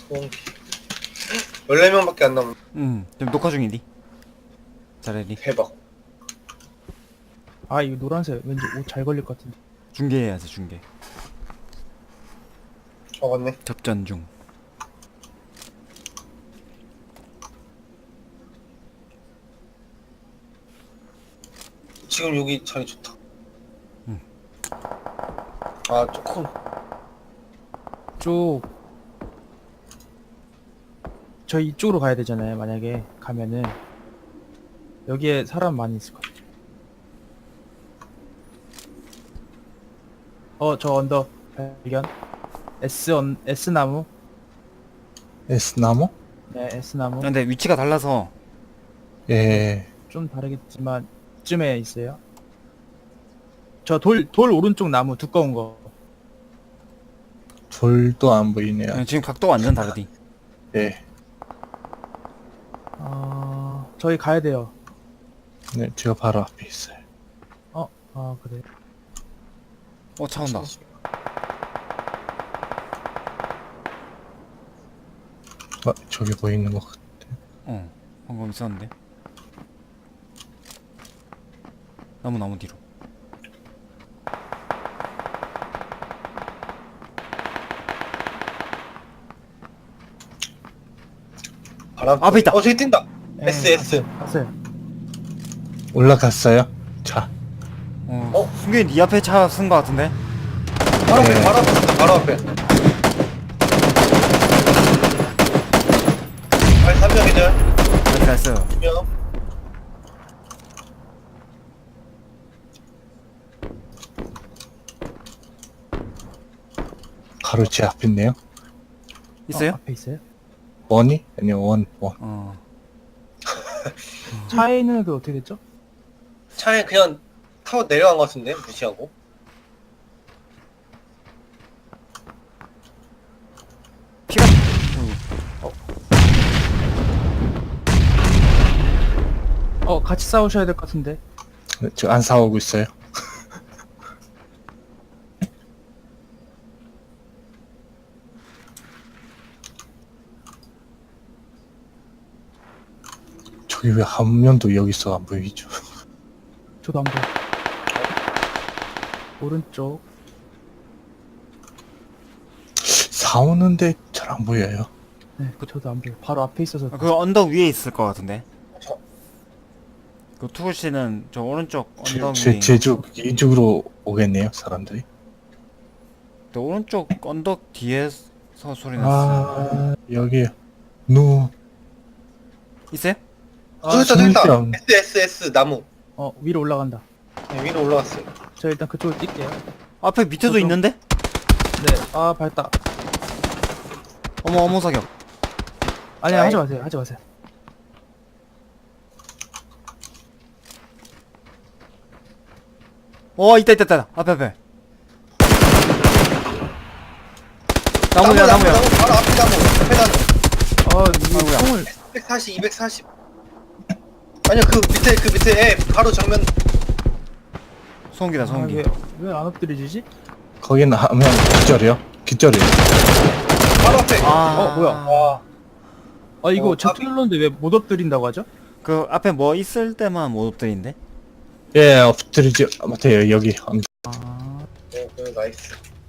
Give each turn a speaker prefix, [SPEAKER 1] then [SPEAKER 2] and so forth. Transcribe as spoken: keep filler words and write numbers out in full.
[SPEAKER 1] 열네 명밖에 안 남은.
[SPEAKER 2] 응, 지금 녹화 중이니? 잘해니?
[SPEAKER 1] 대박.
[SPEAKER 3] 아 이거 노란색 왠지 옷 잘 걸릴 것 같은데.
[SPEAKER 2] 중계해야지, 중계.
[SPEAKER 1] 어, 맞네.
[SPEAKER 2] 접전 중.
[SPEAKER 1] 지금 여기 자리 좋다.
[SPEAKER 2] 응.
[SPEAKER 1] 아, 조금.
[SPEAKER 3] 쪽 저희 이쪽으로 가야 되잖아요. 만약에 가면은 여기에 사람 많이 있을 것 같아요. 어 저 언더 발견. S 언 S 나무.
[SPEAKER 4] S나무?
[SPEAKER 3] 네 S 나무.
[SPEAKER 2] 근데 위치가 달라서
[SPEAKER 4] 예.
[SPEAKER 3] 좀 다르겠지만 쯤에 있어요. 저 돌 돌 오른쪽 나무 두꺼운 거.
[SPEAKER 4] 돌도 안 보이네요.
[SPEAKER 2] 응, 지금 각도 완전 다르디.
[SPEAKER 4] 예.
[SPEAKER 3] 어 저희 가야 돼요.
[SPEAKER 4] 네, 제가 바로 앞에 있어요.
[SPEAKER 3] 어 아 그래.
[SPEAKER 2] 어, 차 온다.
[SPEAKER 4] 어, 저기 보이는 것 같아.
[SPEAKER 2] 어, 방금 있었는데. 나무 나무 뒤로.
[SPEAKER 1] 바람.
[SPEAKER 2] 앞에 있다.
[SPEAKER 1] 어, 저기 뛴다.
[SPEAKER 3] 예,
[SPEAKER 1] S, S.
[SPEAKER 3] 갔어요.
[SPEAKER 4] 올라갔어요? 자,
[SPEAKER 2] 어,
[SPEAKER 1] 어?
[SPEAKER 2] 승균이 네 앞에 차 쓴 거 같은데?
[SPEAKER 1] 바로 앞에,
[SPEAKER 4] 네.
[SPEAKER 1] 바로 앞에 있다, 바로 앞에. 아, 삼 명이죠?
[SPEAKER 2] 나이스, 나이스.
[SPEAKER 1] 두 명.
[SPEAKER 4] 바로 제 앞에 있네요.
[SPEAKER 2] 있어요?
[SPEAKER 3] 어, 앞에 있어요?
[SPEAKER 4] 원이? 아니요, 원, 원.
[SPEAKER 2] 어.
[SPEAKER 3] 차에 있는 애들 어떻게 됐죠?
[SPEAKER 1] 차에 그냥 타고 내려간 것 같은데, 무시하고.
[SPEAKER 2] 피가.
[SPEAKER 3] 어 같이 싸우셔야 될 것 같은데.
[SPEAKER 4] 네, 저 안 싸우고 있어요. 저기 왜 한 명도 여기서 안 보이죠?
[SPEAKER 3] 저도 안 보여. 오른쪽.
[SPEAKER 4] 싸우는데 잘 안 보여요.
[SPEAKER 3] 네, 그 저도 안 보여. 바로 앞에 있어서.
[SPEAKER 2] 아, 그 언덕 위에 있을 것 같은데.
[SPEAKER 1] 저-
[SPEAKER 2] 그 투구 씨는 저 오른쪽 언덕
[SPEAKER 4] 제,
[SPEAKER 2] 위에.
[SPEAKER 4] 제, 제쪽, 이쪽으로 오겠네요, 사람들이.
[SPEAKER 2] 또 오른쪽 언덕 뒤에서 소리 났어.
[SPEAKER 4] 아, 여기요. 누,
[SPEAKER 2] 있어요?
[SPEAKER 1] 아, 저기 있다, 저기 있다.
[SPEAKER 4] 진짜.
[SPEAKER 1] S, S, S, 나무.
[SPEAKER 3] 어 위로 올라간다.
[SPEAKER 1] 네, 위로 올라갔어요.
[SPEAKER 3] 저 일단 그쪽으로 뛸게요.
[SPEAKER 2] 앞에 밑에도
[SPEAKER 3] 저도-
[SPEAKER 2] 있는데?
[SPEAKER 3] 네. 아 밟다.
[SPEAKER 2] 어머 어머 사격.
[SPEAKER 3] 아니
[SPEAKER 1] 아이.
[SPEAKER 3] 하지 마세요. 하지 마세요.
[SPEAKER 2] 어 있다 있다 있다. 앞에 앞에. 나무야
[SPEAKER 1] 나무,
[SPEAKER 2] 나무야.
[SPEAKER 1] 나무, 바로 앞에 나무. 앞에 나무.
[SPEAKER 3] 아 이거
[SPEAKER 2] 아이고야.
[SPEAKER 3] 총을.
[SPEAKER 1] 이백사십, 이백사십. 아니요, 그 밑에, 그 밑에, 예, 바로 정면.
[SPEAKER 2] 소음기다 소음기.
[SPEAKER 3] 아왜왜 안 엎드려지지?
[SPEAKER 4] 거기는 하면 기절이요? 기절이요.
[SPEAKER 1] 바로 앞에.
[SPEAKER 2] 아.
[SPEAKER 3] 어, 뭐야.
[SPEAKER 1] 와.
[SPEAKER 3] 아 이거
[SPEAKER 1] 어,
[SPEAKER 3] 제트 눌렀는데 왜 못 엎드린다고 하죠?
[SPEAKER 2] 그 앞에 뭐 있을 때만 못 엎드린데?
[SPEAKER 4] 예, 엎드리지 못해요, 여기.
[SPEAKER 3] 아
[SPEAKER 1] 네, 그 나이스.